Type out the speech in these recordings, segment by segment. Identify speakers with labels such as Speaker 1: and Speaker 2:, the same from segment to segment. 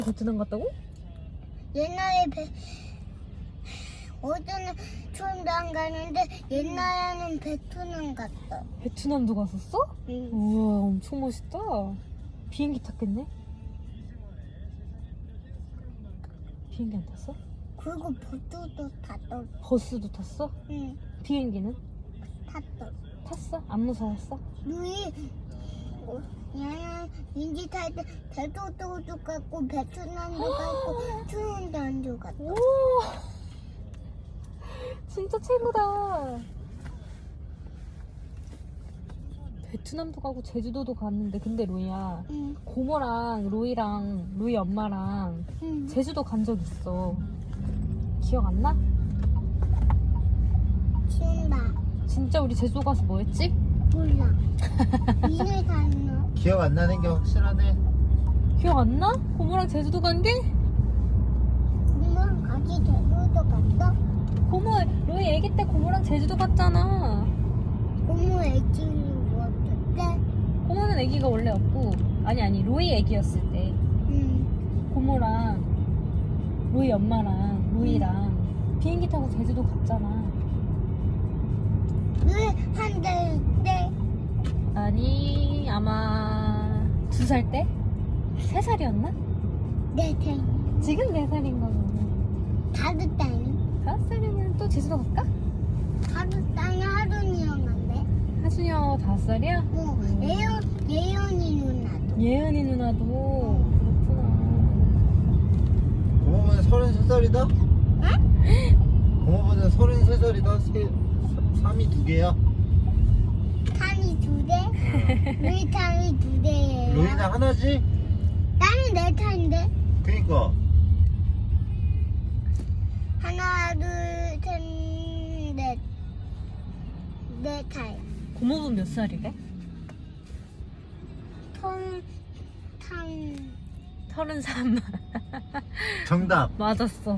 Speaker 1: 베트남 갔다고?
Speaker 2: 옛날에 어제는 처음도 안 가는데 옛날에는 베트남 갔어.
Speaker 1: 베트남도 갔었어?
Speaker 2: 응.
Speaker 1: 우와, 엄청 멋있다. 비행기 탔겠네? 비행기 안 탔어?
Speaker 2: 그리고 버스도 탔어.
Speaker 1: 버스도 탔어?
Speaker 2: 응,
Speaker 1: 비행기는?
Speaker 2: 탔어.
Speaker 1: 탔어? 안 무서웠어?
Speaker 2: 누이 야야 인지 탈 때 대도도 갔고 베트남도 갔고 트윈단도 갔어.
Speaker 1: 오, 진짜 최고다. 베트남도 가고 제주도도 갔는데 근데 로이야,
Speaker 2: 응,
Speaker 1: 고모랑 로이랑 로이 엄마랑
Speaker 2: 응.
Speaker 1: 제주도 간 적 있어. 기억 안 나?
Speaker 2: 신나
Speaker 1: 진짜 우리 제주도 가서 뭐 했지?
Speaker 2: 몰라. 이를 갔노.
Speaker 3: 기억 안 나는 게 확실하네.
Speaker 1: 기억 안 나? 고모랑 제주도 간 게?
Speaker 2: 엄마랑 같이 대도도 갔어?
Speaker 1: 고모, 로이 애기 때 고모랑 제주도 갔잖아.
Speaker 2: 고모 애기를 먹었대.
Speaker 1: 고모는 애기가 원래 없고, 아니 로이 애기였을 때
Speaker 2: 응.
Speaker 1: 고모랑 로이 엄마랑 로이랑 비행기 타고 제주도 갔잖아.
Speaker 2: 왜한달 때?
Speaker 1: 아니, 아마 2살 때? 3살이었나?
Speaker 2: 내 생일.
Speaker 1: 지금 4살인 거면
Speaker 2: 다섯 달이.
Speaker 1: 5살이면 또 제주도 갈까?
Speaker 2: 다섯 달이 하루니랑 간대.
Speaker 1: 하준이 형 5살이야?
Speaker 2: 뭐 예연이 누나도.
Speaker 1: 예은이 누나도. 그렇구나.
Speaker 3: 고모는 33살이다?
Speaker 2: 응?
Speaker 3: 고모는 33살이다. 3이 2개야.
Speaker 2: 탄이 두 대. 루이 탄이 두 대예요.
Speaker 3: 로이는 하나지?
Speaker 2: 나는 네 탄인데.
Speaker 3: 그니까.
Speaker 2: 하나 둘셋 넷. 네 탄.
Speaker 1: 고모분 몇 살이래?
Speaker 2: 탄.
Speaker 1: 33.
Speaker 3: 정답.
Speaker 1: 맞았어.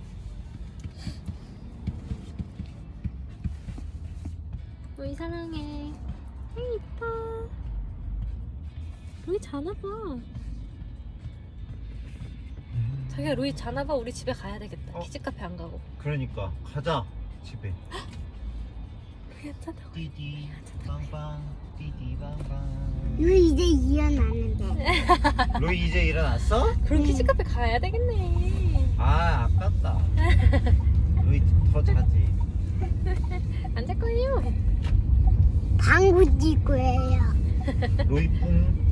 Speaker 1: 로이 사랑해. 이뻐. 로이 자나봐. 자기야, 로이 자나봐. 우리 집에 가야 되겠다.
Speaker 3: 어?
Speaker 1: 키즈카페 안 가고.
Speaker 3: 그러니까 가자 집에.
Speaker 1: 괜찮아.
Speaker 3: 띠디 빵빵 띠디 빵빵.
Speaker 2: 루이 이제 일어나는데.
Speaker 3: 로이 이제 일어났어?
Speaker 1: 그럼 키즈카페 가야 되겠네.
Speaker 3: 아 아깝다. 로이 더 자지.
Speaker 1: 안 잘 거예요.
Speaker 2: 방구 찍고 해요.
Speaker 3: 로이 뿡.